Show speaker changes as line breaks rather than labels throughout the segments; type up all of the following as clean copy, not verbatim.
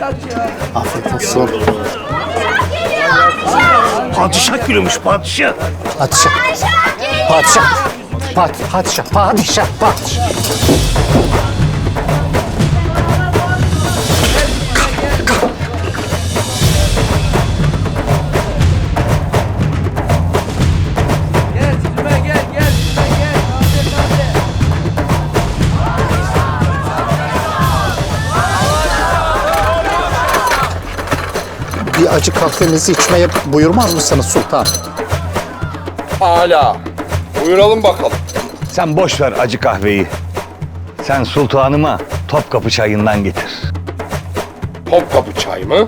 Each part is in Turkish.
Afiyet olsun.
Padişah gülümüş padişah.
Padişah. Padişah. Padişah. Padişah. Padişah. Bir acı kahvenizi içmeye buyurmaz mısınız sultan?
Hala. Buyuralım bakalım.
Sen boş ver acı kahveyi. Sen sultanıma Topkapı çayından getir.
Topkapı çay mı?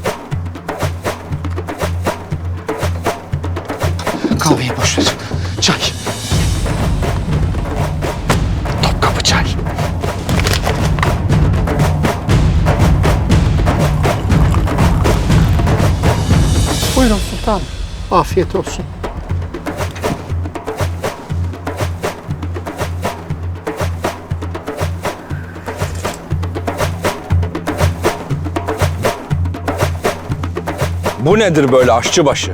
Kahveyi boş ver. Çay. Topkapı çay. Buyurun sultanım. Afiyet olsun.
Bu nedir böyle aşçıbaşı?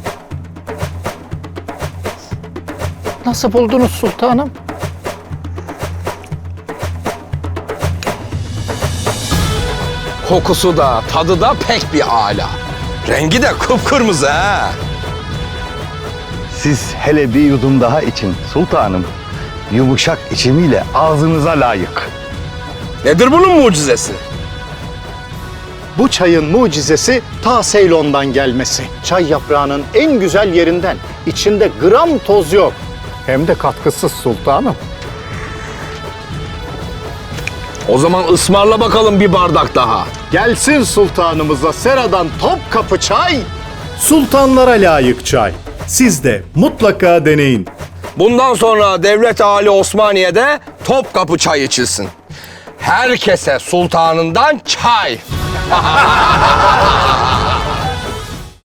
Nasıl buldunuz sultanım?
Kokusu da, tadı da pek bir âlâ. Rengi de kıpkırmızı ha.
Siz hele bir yudum daha için sultanım. Yumuşak içimiyle ağzınıza layık.
Nedir bunun mucizesi?
Bu çayın mucizesi ta Seylon'dan gelmesi. Çay yaprağının en güzel yerinden. İçinde gram toz yok. Hem de katkısız sultanım.
O zaman ısmarla bakalım bir bardak daha.
Gelsin sultanımıza seradan Topkapı çay. Sultanlara layık çay. Siz de mutlaka deneyin.
Bundan sonra Devlet-i Ali Osmaniye'de Topkapı çay içilsin. Herkese sultanından çay.